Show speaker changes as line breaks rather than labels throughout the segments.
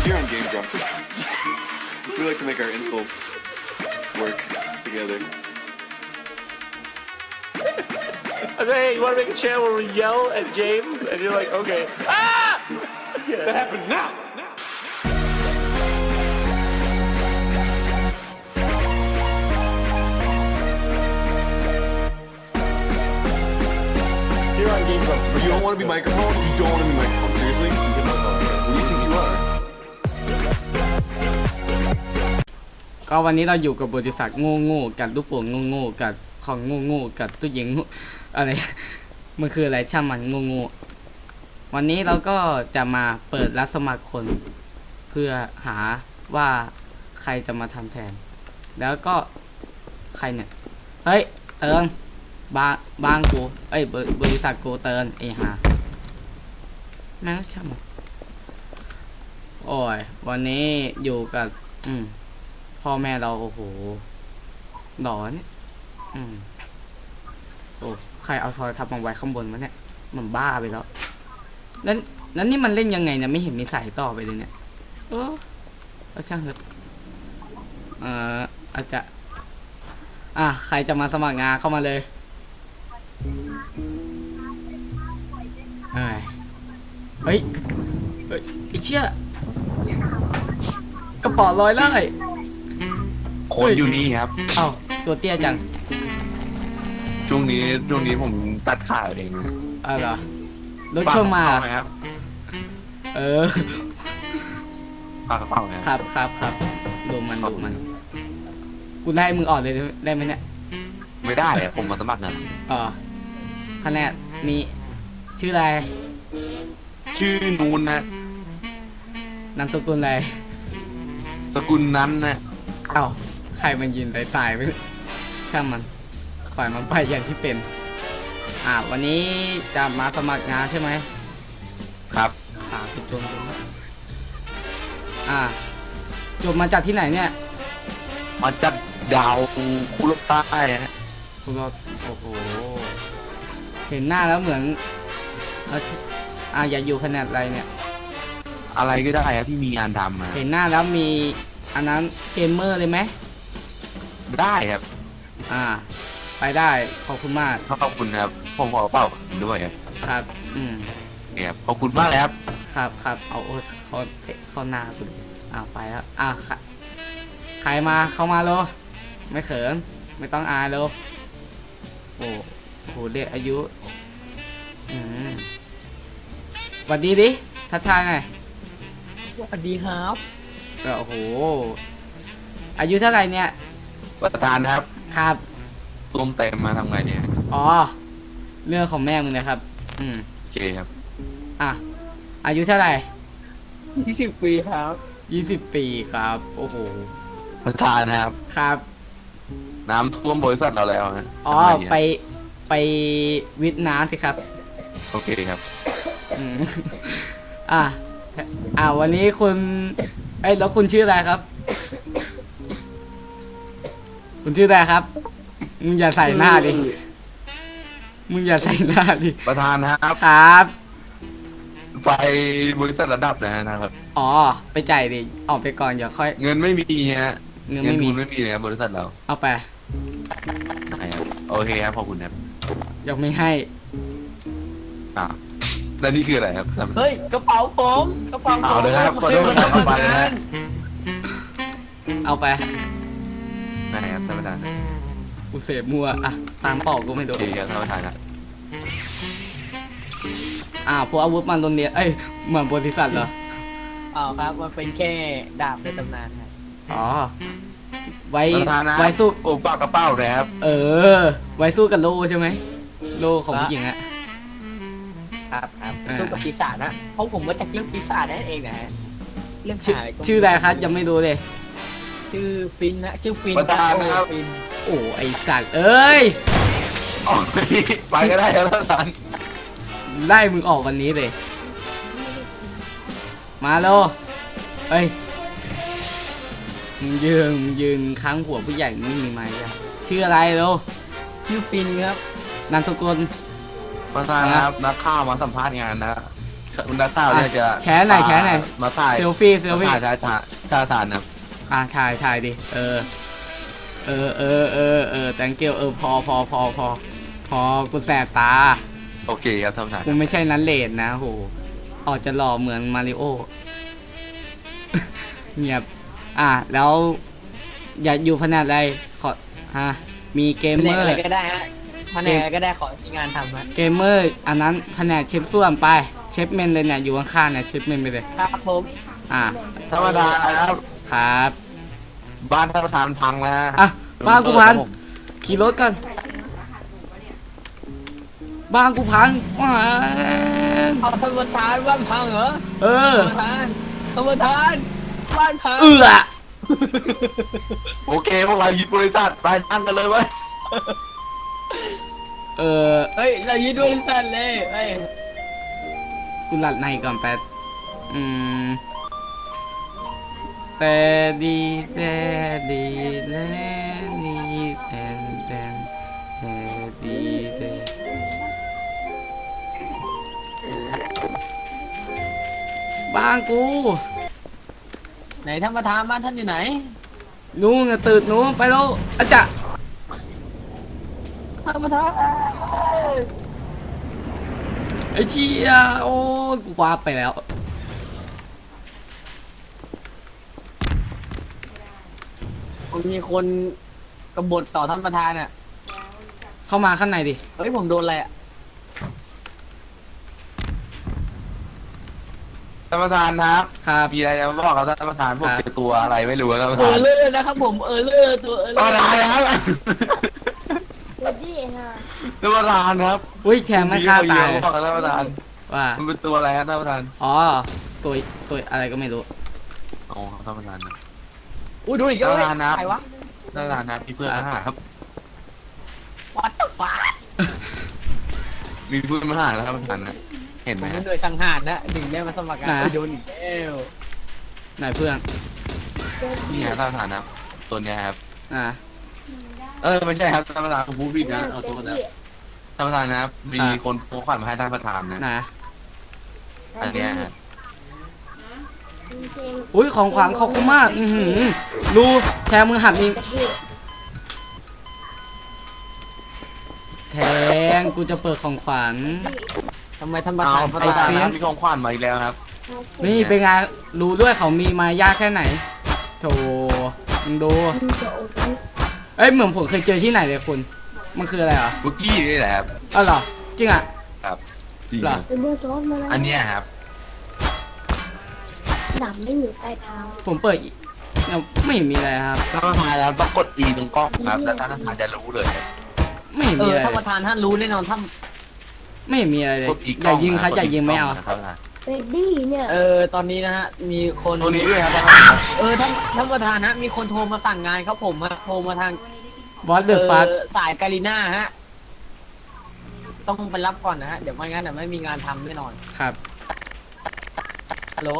Here on Game Drop, we like to make our insults work together.
Hey, you want to make a channel where we yell at James? And you're like, okay. Ah!
That happened now!
Here on Game Drop.
You don't want to be microphone? You don't want to be microphone. Seriously? Who do you think you are?
ก็วันนี้เราอยู่กับบริษัทโง่ๆกับลูกโป่งโง่ๆกับของโง่ๆกับตู้เย็นอะไร มันคืออะไรช่างมันโง่ๆวันนี้เราก็จะมาเปิดรับสมัครคนเพื่อหาว่าใครจะมาทำแทนแล้วก็ใครเนี่ยเฮ้ยเติงบ้างกูเอ้ยบริษัทกูเติงไอ้ห่าแม่งช่างมันโอ้ยวันนี้อยู่กับพ่อแม่เราโอ้โหหลอนโอ้ใครเอาซอยทับมาไว้ข้างบนวะเนี่ยมันบ้าไปแล้วแล้วนี่มันเล่นยังไงเนี่ยไม่เห็นมีสายต่อไปเลยเนี่ยแล้วช่างเถอะอาจจะใครจะมาสมัครงานเข้ามาเลยเฮ้ยไอ้เชี่ยกระป๋อลอยไล่
คนอยู่นี่ครับ
เอ้าตัวเตี้ยจัง
ช่วงนี้ผมตัดขาเองนะ
เหรอรถชนมา
ครับปากกระเป๋า
ครับดูมันกูไล่มึงออกเลยได้ไหมเนี่ย
ไม่ได้ผมมาสมัครงาน
คะแนนมีชื่ออะไร
ชื่อนูนนะ
นามสกุลอะไร
สกุลนั้นนะ
เอ้าใครมันยินตายไปช่างมันปล่อยมันไปอย่างที่เป็นวันนี้จะมาสมัครงานใช่ไหม
ครับ
ขาผิดจนจบมาจากที่ไหนเนี่ย
มาจากดาวคุโรใต้ฮะ
คุโรโอ้โหเห็นหน้าแล้วเหมือนอย่าอยู่ขนาดอะไรเนี่ย
อะไรก็ได้ครับที่มีงานทำ
เห็นหน้าแล้วมีอันนั้นเกมเมอร์เลยไหม
ได้ครับ
ไปได้ขอบคุณมาก
ขอบคุณครับผมขอเป่าด้วย
ครับ
เนี่ยขอบคุณมากเลยครับ
ครับเอาเขาหน้าคุณไปแล้วใครมาเข้ามาโลไม่เขินไม่ต้องอายโลโอ้โหเด็กอายุสวัสดีดิทักทายหน่อย
สวัสดีครับ
โอ้โหอายุเท่าไหร่เนี่ย
ประธานครับส้มเต็มมาทำไงเนี่ย
เรื่องของแม่มึงนะครับ
โอเคครับ
อายุเท่าไหร่
20 ปีครับ
20 ปีครับโอ้โห
ประธาน
ครับ
น้ำท่วมบริษัทเราแล้วฮะ
ไปวิทย์น้ำสิครับ
โอเคครับ
วันนี้คุณแล้วคุณชื่ออะไรครับคุณชื่ออะไรครับมึงอย่าใส่หน้าดิ
ประธาน
ครับ
ไปบริษัทระดับนะครับ
ไปจ่ายดิออกไปก่อนอย่าค่อย
เงินไม่มีฮะ
เงินไม่มี
เลยบริษัทเรา
เอาไป
ได้ครับโอเคครับขอบคุณครับ
ยังไม่ให้
แล้วนี่คืออะไรครับ
เฮ้ยกระเป๋าผม
เอาเลยครับขอโทษครับเอาไปนะ
เอาไป
ได้ครับท่านประธาน
กูเสพมัวตามเป่ากูไม่โดน
โอเคครับท่านประธาน
พวกอาวุธมันโดนเนี้ยเหมือนบริษัทเหรอ
ครับมันเป็นแค่ดาบในตำนานครับ
ไว้สู้
โอ้ปากกระเป๋านะครับ
ไว้สู้กับโลใช่ไหมโลของผู้หญิง
ครับสู้กับปีศาจนะเพราะผมมาจากเรื่องปีศาจนั่นเองนะฮะเรื่อง
ชื่ออะไรครับยังไม่รู้เลย
ชื่อฟินนะชื่อฟิน
ประธานนะครับ
โอ้ไอสัตว์เอ้ย
ไปก็ได้ครับท่านประธาน
ไล่มึงออกวันนี้เลยมาโลมึงยืนค้างหัวผู้ใหญ่ไม่มีไม้ชื่ออะไรโล
ชื่อฟินครับ
นามสกุล
ประธานครับนักข่าวมาสัมภาษณ์งานนะคุณนักข่าวเนี่ยจะ
แชร์หน่อย
มาถ่าย
เซลฟี่
ถ่ายทานนะ
ถ่ายดิthank you พอกูแสบตา
โอเคครับท่านประธาน
กูไม่ใช่นั้นเลดนะโหออกจะหล่อเหมือนมาริโอ เงียบแล้วอย่าอยู่แผนกอะไรขอมีเกม
แผ
เม
น
อก
อะไร
ร์
ก็ได้ฮะแผนกอะไรก็ได้ขอมีงานทำฮะ
เกมเมอร์อันนั้นแผนกเชฟส้วมไปเชฟเมนเลยเนี่ยอยู่ข้างๆเนี่ยเชฟเมนไปเลย
ครับผม
ท่านประธานครับ
ครับ
บ้านท่านประธานพังแล้ว
บ้านกูพังขี่รถกันบ้านกูพัง
เอาท่านประธานบ้านพังเหรอ ท่านประธานบ้านพัง
โอเคพวกเรายึดบริษัทไปตั้งกันเลยเว้ย
เฮ้ยเรายึดบริษัทเลยเฮ้ย
กูหลัดในก่อนแป๊บแต่ดีแต่ดีและนี่แต่ดีแต่บ้านกู
ไหนท่านประธานบ้านท่านอยู่ไหน
นู้นตื่นนู้นไปแล้วอาจารย์
ท่านประธาน
ไอ้เชี่ยโอ้กูว้าไปแล้ว
มีคนกบฏต่อท่านประธานอ่ะ
เข้ามาข้างในดิ
เฮ้ยผมโดนอะไรอ่ะ
ท่านประธานครับ
ครับ
มีอะไรจะบอกครับท่านประธานผมเจอตัวอะไรไม่รู้ครับท่านประธาน
เลอร์นะครับผมเลอร์ตัวเลอ
ท่านประธานครับ
สวัสดีค่ะ
ท่านประธานครับ
อุ้ยแชร์ไม่ฆ่าตาย
บอกกับท่านประธาน
ว่า
มันเป็นตัวอะไรครับท่านประธาน
อ๋อตัวอะไรก็ไม่รู้
อ๋อท่านประธานนะ
อุ้ยดูอีกแล้ว
ท่านประธานครับ
ใครวะ
ท่านประธานนะมีเพื่อนมาหาครับ
วัดตฟ้า
มีเพื่อนมาหาแล้วท่านประธานนะเห็น
ผ
ไหม
ม
ฮะ
เป็นหน่วยสังหารนะถึงได้มาสมัครงานโดนอีกแล้ว
ไหนเพื่อน
นี่ฮะท่านประธานนะตัวเนี้ยครับ ไม่ใช่ครับท่านประธานผมพูดผิดนะเอาตัวนะท่านประธานนะครับมีคนโพสต์ขวัญมาให้ท่านประธานนะ
นะ
อันเนี้ยฮะ
อุ้ยของขวัญขอบคุณมากดูแชร์มือหักอีกแทงกูจะเปิดของขวัญ
ทำไมท่านประ
เอา
ธาน
ท่านประธานครับมีของขวัญมาอีกแล้วครับ
นี่เป็นไงรู้ด้วยเขามีมายากแค่ไหนโถมึงดูเอ้ยเหมือนผมเคยเจอที่ไหนเลยคุณมันคืออะไรเหรอ
บุกกี้นี่แหละครับ
อ๋อเหรอจริงอ่ะ
จริง
เหรอ
ครับ
เป็นเบอร์ซอฟมาแล้ว
อันเนี้ยครับ
หนับไม่อยู่ใต้เท้า
ผมเปิดยังไม่เห็นมีอะไรครับ
ท่านประธานแล้วต้องกด E ตรงกล้องครับแล้วท่านประธานจะรู้เลย
ไม่เห็นมีอะไร
ท่านประธานท่านรู้แน่นอนท่าน
ไม่เห็นมีอะไรเลย
กด E
อย่ายิงครับอย่ายิงไม่เอา
ท่านประธาน
เฟดดี้เนี่ย
ตอนนี้นะฮะมีคน
ตัวนี้ด้วยครับท่านประธาน
ท่านประธานฮะมีคนโทรมาสั่งงานครับผมฮะโทรมาทาง
บอสเดอะฟัส
สายกาลิน่าฮะต้องไปรับก่อนนะฮะเดี๋ยวไม่งั้นเดี๋ยวไม่มีงานทำแน่นอน
ครับ
ฮัลโหล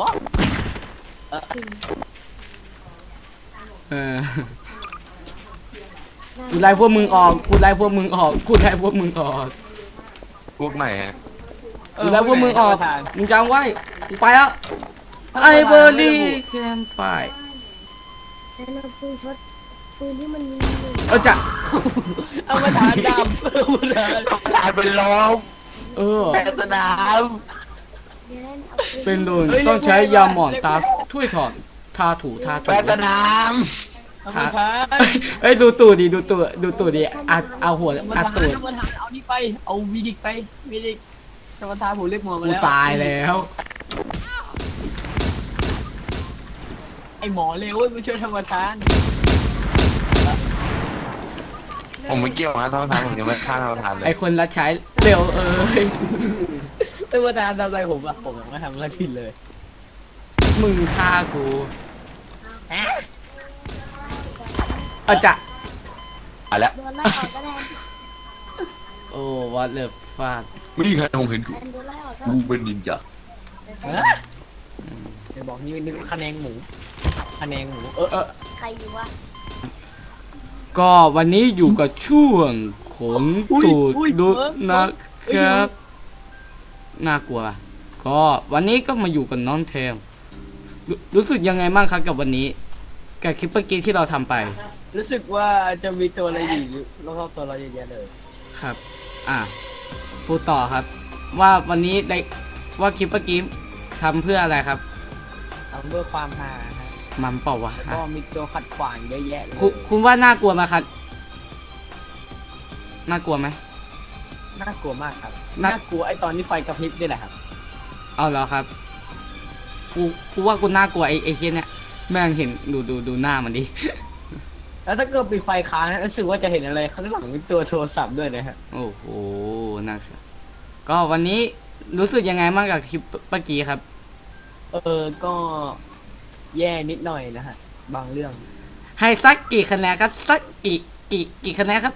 เออกูไล่พวกมึงออกกูไล่พวกมึงออกกูไล่พวกมึงออก
พวกไหนฮะ
กูไล่พวกมึงออกมึงจำไว้กูไปแล้วไอเบอร์รี่แคมไฟ
ฉันเอาปืนช็อตปืนที่มันยิง
จะ
เอาประธานดำเอาประธาน
ท่านประธานเป็นล้อม
เออ
แปดสนาม
เดี๋ยวนั้นเอาปืน
เป็นโดนต้องใช้ยาหมอนตาถ้วยถอดทาถูทาถู
แปดสนาม
เอาประธาน
เอ้ยดูตูดดิดูตูดดิอัดเอาหัว
เอาประ
อัด
ธาน
ตูด
เอาประธานเอานี่ไปเอาวีดิกไปวีดิกท่านประธานผมเรียกหมอมา
กู
แล้ว
ตายแล้ว
ไอหมอเร็วเว้ยไม่ช่วยท่านประธาน
ผมไม่เกี่ยวนะท่านประธานผมยังไม่ฆ่าท่านประธานเล
ไอย คนรับใช้เร็วเอ้ย
ท่านประธานทำอะไรผมอะผมยังไม่ทำอะไรผิดเลย
มึงฆ่ากู
ฮะ
อาจะ
อ่ะแล้ว
โดนไล่ออกก็ได้
โอ้วัดเลิฟฟาด
ไม่มีใครคงเห็น
แอนโดนไล่ออกก็
กูเป็นนินจา
เดี๋ยวบอกนี่คะแนนหมูคะแนนหมู
ใครอยู่วะ
ก็วันนี้อยู่กับช่วงขนตูดดุนะครับน่ากลัวขก็วันนี้ก็มาอยู่กับน้องเทมรู้สึกยังไงบ้างครับกับวันนี้กับคลิปเมื่อกี้ที่เราทำไป
รู้สึกว่าจะมีตัวอะไรอยู่รอบๆตัวเราเยอะแยะเลย
ครับ พูดต่อครับ ว่าวันนี้ได้ว่าคลิปเมื่อกี้ทำเพื่ออะไรครับ
ทำเพื่อความฮาฮะ
มันเปล่าวะ
แล้วก็มีตัวขัดขวางเยอะแยะเลย
คุณว่าน่ากลัวไหมครับน่ากลัวไหม
น่ากลัวมากครับ
น่า
น่ากลัวไอตอนที่ไฟกระพริบนี่แหละครับ
เอาแล้วครับกูว่ากูน่ากลัวไอ้เฮียเนี่ยแม่งเห็นดูหน้ามันดิ
แล้วถ้าเกิดปิดไฟค้างนะรู้สึกว่าจะเห็นอะไรข้างหลังเป็นตัวโทรศัพท์ด้วยนะฮะ
โอ้โหนะครับก็วันนี้รู้สึกยังไงบ้างกับคลิปเมื่อกี้ครับ
ก็แย่นิดหน่อยนะฮะบางเรื่อง
ให้สักกี่คะแนนครับสักกี่คะแนนครับ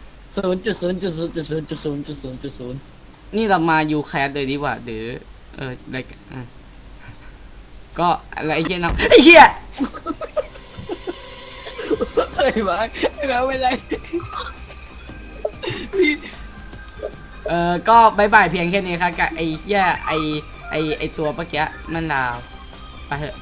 0.0000000
นี่เรามายูแคสเลยดีกว่าหรืออะไรก็อะไรไอ้เหี้ยนะไอ้เหี้ย
เฮ้ยมาไอ้แมวเป็นไรพี่
ก็บายบายเพียงแค่นี้ครับกับไอ้เหี้ยไอ้ตัวเมื่อกี้นั่นดาวไปเถอะ